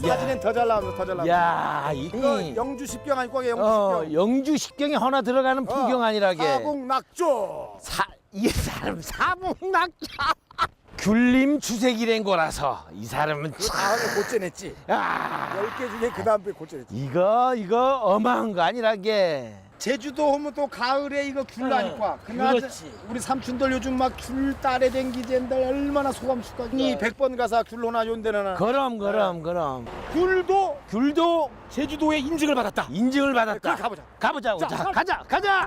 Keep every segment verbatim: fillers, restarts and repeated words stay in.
사진엔 더 잘 나옵니다. 더 잘 나옵니다. 야, 이거 이 영주 십경 아닐 거예요. 영주 어, 십경. 영주 십경에 하나 들어가는 풍경 아니라게. 사북낙조. 사, 이 사람 사북낙자. 귤림 주색이란 거라서 이 사람은 그 참. 다음에 고쳐냈지. 야, 열 개 중에 그 다음에 고쳐냈지. 이거 이거 어마한 거 아니라게. 제주도 오면 또 가을에 이거 귤 나니까. 그렇지. 우리 삼촌들 요즘 막 귤 딸에 댕기젠들 얼마나 소감 숙각이 백 번 가서 귤 하나 요데나 그럼 그럼 그럼. 귤도 귤도 제주도에 인증을 받았다. 인증을 받았다. 그래, 가보자. 가보자고. 자, 자, 가- 가자 가자.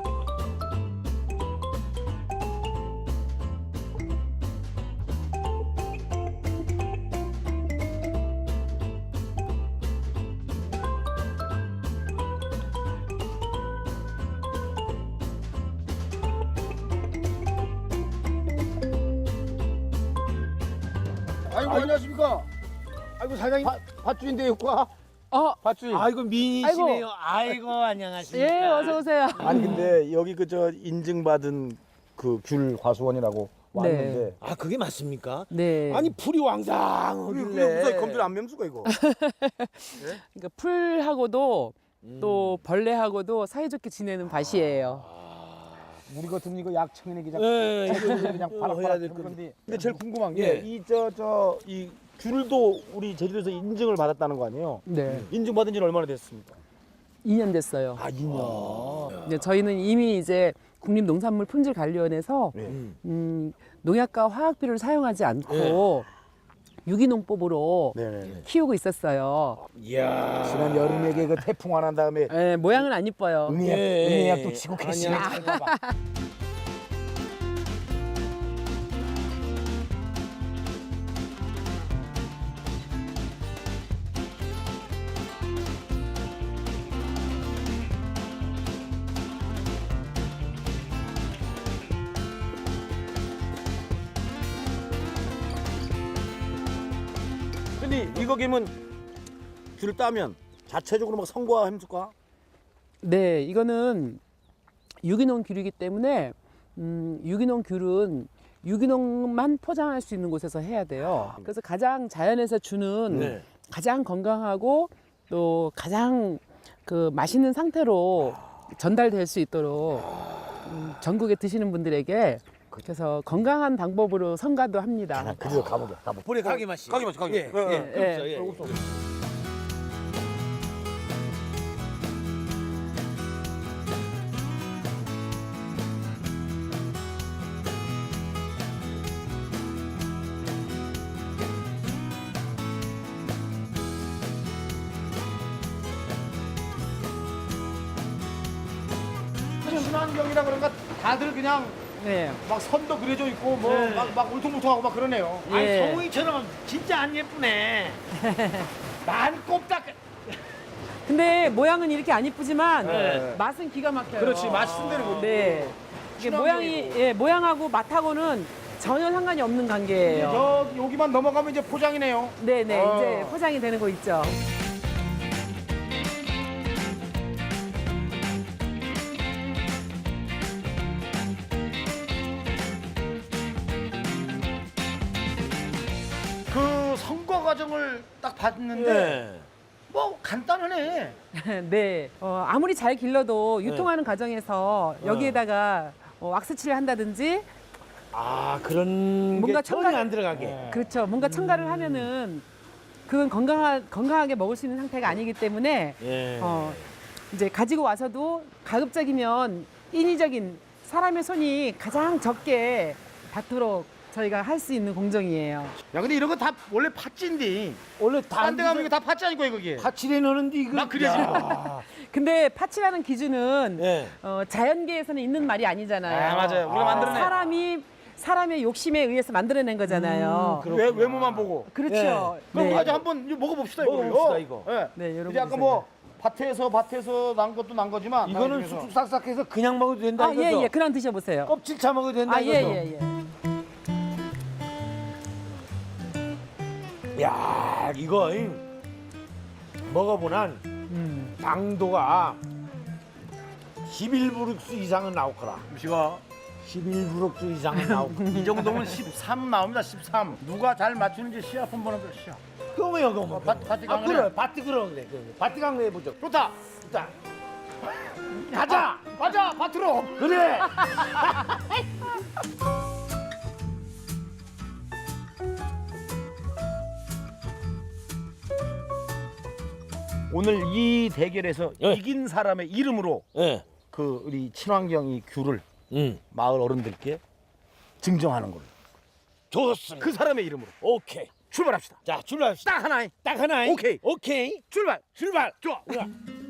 아이고 안녕하십니까. 아이고 사장님 밭주인데요, 과. 어, 밭주인. 아이고 미인이시네요. 아이고, 안녕하십니까. 예, 어서 오세요. 아니 근데 여기 그 저 인증받은 그 귤 과수원이라고 왔는데. 아 그게 맞습니까? 네. 아니 풀이 그게 왕상하길래. 무슨 검들 안 맹수가 이거. 그러니까 풀하고도 또 벌레하고도 사이좋게 지내는 밭이에요. 우리 같으면 이거 약청이네 그냥. 예, 그냥 이거 그냥 이거 바락 해야 바락 될 하는 건데. 건데. 근데 제일 궁금한 예. 게 이 저 저 이 귤도 우리 제주도에서 인증을 받았다는 거 아니에요? 네. 인증받은 지는 얼마나 됐습니까? 이 년 됐어요. 아, 이 년. 네, 저희는 이미 이제 국립농산물품질관리원에서 네. 음, 농약과 화학비료를 사용하지 않고 유기농법으로 네네. 키우고 있었어요. 이야. 지난 여름에 그 태풍 안 한 다음에 예, 모양은 안 이뻐요. 응애약, 예. 응애약도 치고 계시네. 아니야. 잘 봐봐. 근데 이거 김은 귤 따면 자체적으로 막 성과 힘줄까? 네, 이거는 유기농 귤이기 때문에 음, 유기농 귤은 유기농만 포장할 수 있는 곳에서 해야 돼요. 그래서 가장 자연에서 주는 네. 가장 건강하고 또 가장 그 맛있는 상태로 전달될 수 있도록 음, 전국에 드시는 분들에게 그래서 건강한 방법으로 선가도 합니다. 그래서 가보자. 가보. 볼에 가게 맛이. 가게 맛이, 가게 예, 맛이. 예, 예, 그렇죠. 예. 예. 친환경이라 그런가 다들 그냥 네. 막 선도 그려져 있고 뭐 네. 막 막 울퉁불퉁하고 막 그러네요. 예. 아니 성우이처럼 진짜 안 예쁘네. 많이 꼽다. 근데 모양은 이렇게 안 이쁘지만 네. 맛은 기가 막혀요. 그렇지 맛있는 대로 그렇지. 네. 이게 친환경이고. 모양이 예, 모양하고 맛하고는 전혀 상관이 없는 관계예요. 저 여기만 넘어가면 이제 포장이네요. 네네 어. 이제 포장이 되는 거 있죠. 그 선거 과정을 딱 봤는데 네. 뭐 간단하네. 네. 어, 아무리 잘 길러도 유통하는 네. 과정에서 여기에다가 어, 왁스칠을 한다든지 아 그런 뭔가 게 전혀 첨가를- 안 들어가게. 네. 그렇죠. 뭔가 첨가를 하면은 그건 건강하, 건강하게 먹을 수 있는 상태가 아니기 때문에 예. 어, 이제 가지고 와서도 가급적이면 인위적인 사람의 손이 가장 적게 닿도록 저희가 할 수 있는 공정이에요. 야 근데 이런 거 다 원래 팥진디. 원래 다 딴 데 가면 이거 다 팥지 아니고 거기. 파칠해 넣는데 이거. 막 그려지. 야. 근데 파치라는 기준은 예. 어, 자연계에서는 있는 말이 아니잖아요. 아 맞아요. 우리가 아. 만들어내. 사람이 사람의 욕심에 의해서 만들어낸 거잖아요. 음, 외, 외모만 보고. 그렇죠. 그럼 네. 아주 한번 이거 먹어봅시다 이거. 먹어봅시다, 이거. 예. 네, 여러분 이제 아까 보세요. 뭐 밭에서 밭에서 난 것도 난 거지만 이거는 나중에서. 쑥쑥 싹싹해서 그냥 먹어도 된다 아, 이거죠? 예, 예. 그냥 드셔보세요. 껍질 차 먹어도 된다 아, 예, 이거죠? 예, 예. 야 이거 이, 먹어보난 음. 당도가 십일 브룩스 이상은 나올 거라. 음식아 십일 브룩스 이상은 나올 거라. 이 정도면 십삼 나옵니다. 십삼. 누가 잘 맞추는지 시합 한번 하자 시합. 그거면 그거. 밭- 밭이 아 강하네. 그래, 밭이 그러 그래. 그 밭이 강래 해보죠. 좋다. 자, 가자. 가자 밭으로. 그래. 오늘 이 대결에서 예. 이긴 사람의 이름으로 예. 그 우리 친환경이 귤을 응. 마을 어른들께 증정하는 걸로. 좋습니다. 그 사람의 이름으로 오케이. 출발합시다. 자, 출발합시다. 딱 하나에 딱 하나. 오케이. 오케이. 출발. 출발. 좋아. 좋아.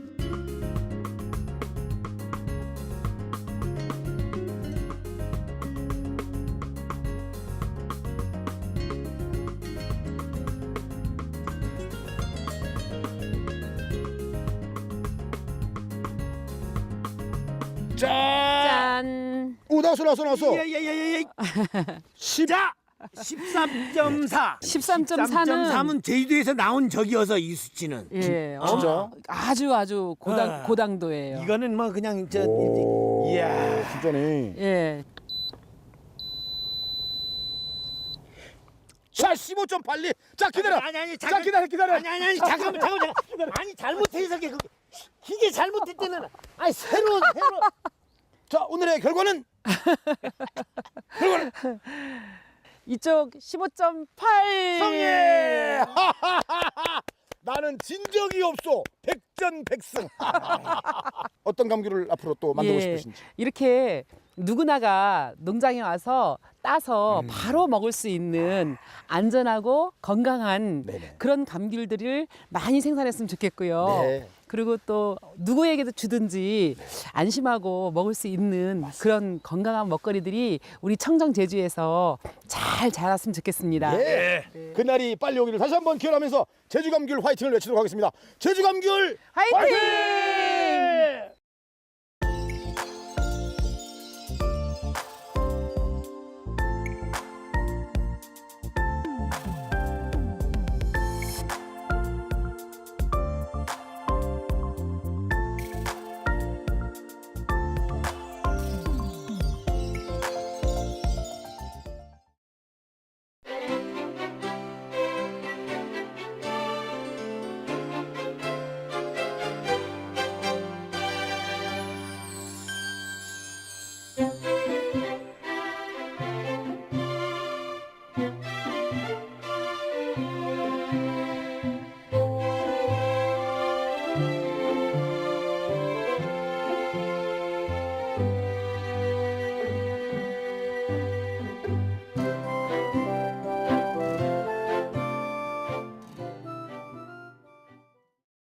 자. 짠. 오 나왔어 나왔어 나왔어. 예예예예. 자, 십삼 점 사. 십삼 점 사는 삼은 제주도에서 나온 적이어서 이 수치는. 예, 진짜? 어, 아주 아주 고당 아. 고당도예요. 이거는 뭐 그냥 저 오, 이야. 진짜네. 예. 자 십오 점 팔리. 자 기다려. 아니 아니 자 기다려 기다려. 아니 아니 아니 잠깐만 잠깐만 잠깐만. 아니 잘못해서 그 이게 잘못했다는 아니 새로운 새로 자 오늘의 결과는 결과는 이쪽 십오 점 팔. 성예. 나는 진 적이 없어. 백전백승. 어떤 감귤을 앞으로 또 만들고 예, 싶으신지. 이렇게 누구나가 농장에 와서 따서 음. 바로 먹을 수 있는 안전하고 건강한 네네. 그런 감귤들을 많이 생산했으면 좋겠고요. 네. 그리고 또 누구에게도 주든지 안심하고 먹을 수 있는 그런 건강한 먹거리들이 우리 청정 제주에서 잘 자랐으면 좋겠습니다. 예. 그날이 빨리 오기를 다시 한번 기원하면서 제주 감귤 화이팅을 외치도록 하겠습니다. 제주 감귤 화이팅! 화이팅!